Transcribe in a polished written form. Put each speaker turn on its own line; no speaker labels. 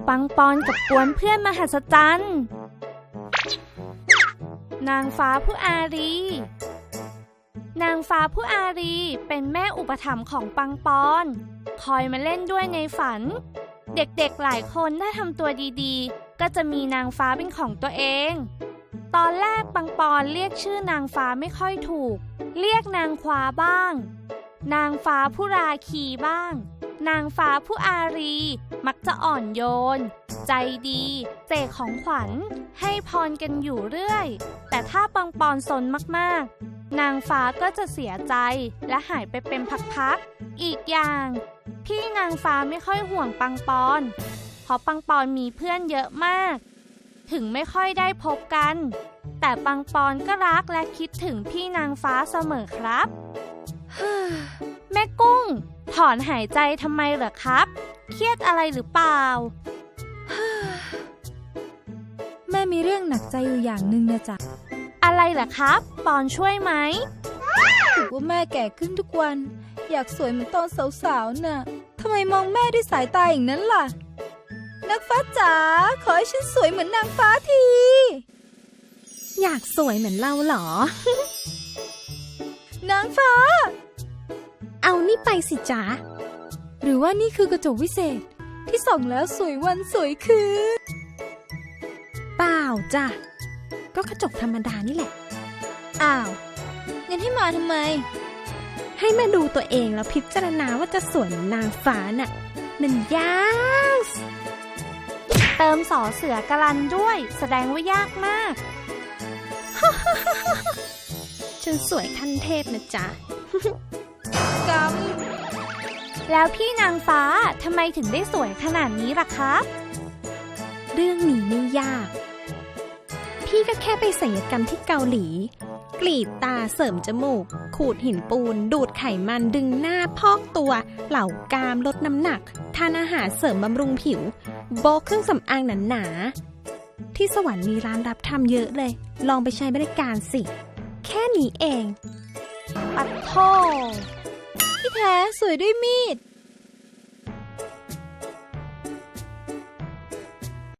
ปังปอนกับกวนเพื่อนมหัศจรรย์นางฟ้าผู้อารีนางฟ้าผู้อารีเป็นแม่อุปถัมภ์ของปังปอนคอยมาเล่นด้วยในฝันเด็กๆหลายคนถ้าทำตัวดีๆก็จะมีนางฟ้าเป็นของตัวเองตอนแรกปังปอนเรียกชื่อนางฟ้าไม่ค่อยถูกเรียกนางฟ้าบ้างนางฟ้าผู้ราคีบ้างนางฟ้าผู้อารีมักจะอ่อนโยนใจดีเสกของขวัญให้พรกันอยู่เรื่อยแต่ถ้าปังปอนซนมากๆนางฟ้าก็จะเสียใจและหายไปเป็นพักๆอีกอย่างพี่นางฟ้าไม่ค่อยห่วงปังปอนเพราะปังปอนมีเพื่อนเยอะมากถึงไม่ค่อยได้พบกันแต่ปังปอนก็รักและคิดถึงพี่นางฟ้าเสมอครับแม่กุ้งถอนหายใจทำไมเหรอครับเครียดอะไรหรือเปล่า
แม่มีเรื่องหนักใจอยู่อย่างหนึ่งนะจ๊ะ
อะไรเหรอครับปอนช่วยไหม
ถือว่าแม่แก่ขึ้นทุกวันอยากสวยเหมือนตอนสาวๆน่ะทำไมมองแม่ด้วยสายตาอย่างนั้นล่ะนางฟ้าจ๋าขอให้ฉันสวยเหมือนนางฟ้าที
อยากสวยเหมือนเราเหรอ
นางฟ้า
เอานี่ไปสิจ๊ะ
หรือว่านี่คือกระจกวิเศษที่ส่องแล้วสวยวันสวยคืน
เปล่าจ้ะก็กระจกธรรมดานี่แหละ
อ้าวงั้นให้มาทำไม
ให้มาดูตัวเองแล้วพิจารณาว่าจะสวยเหมือนนางฟ้าน่ะมันยาก
เติมสอเสือกลันด้วยแสดงว่ายากมาก
ฉันสวยขั้นเทพนะจ๊ะ
ก
แล้วพี่นางฟ้าทำไมถึงได้สวยขนาดนี้ล่ะครับ
เรื่องนี้ไม่ยากพี่ก็แค่ไปศัลยกรรมที่เกาหลีกรีดตาเสริมจมูกขูดหินปูนดูดไขมันดึงหน้าพอกตัวเหล่ากรามลดน้ำหนักทานอาหารเสริมบำรุงผิวโบกเครื่องสำอางหนาๆที่สวรรค์มีร้านรับทำเยอะเลยลองไปใช้บริการสิแค่นี้เอง
ปัดโท
ที่แท้สวยด้วยมีด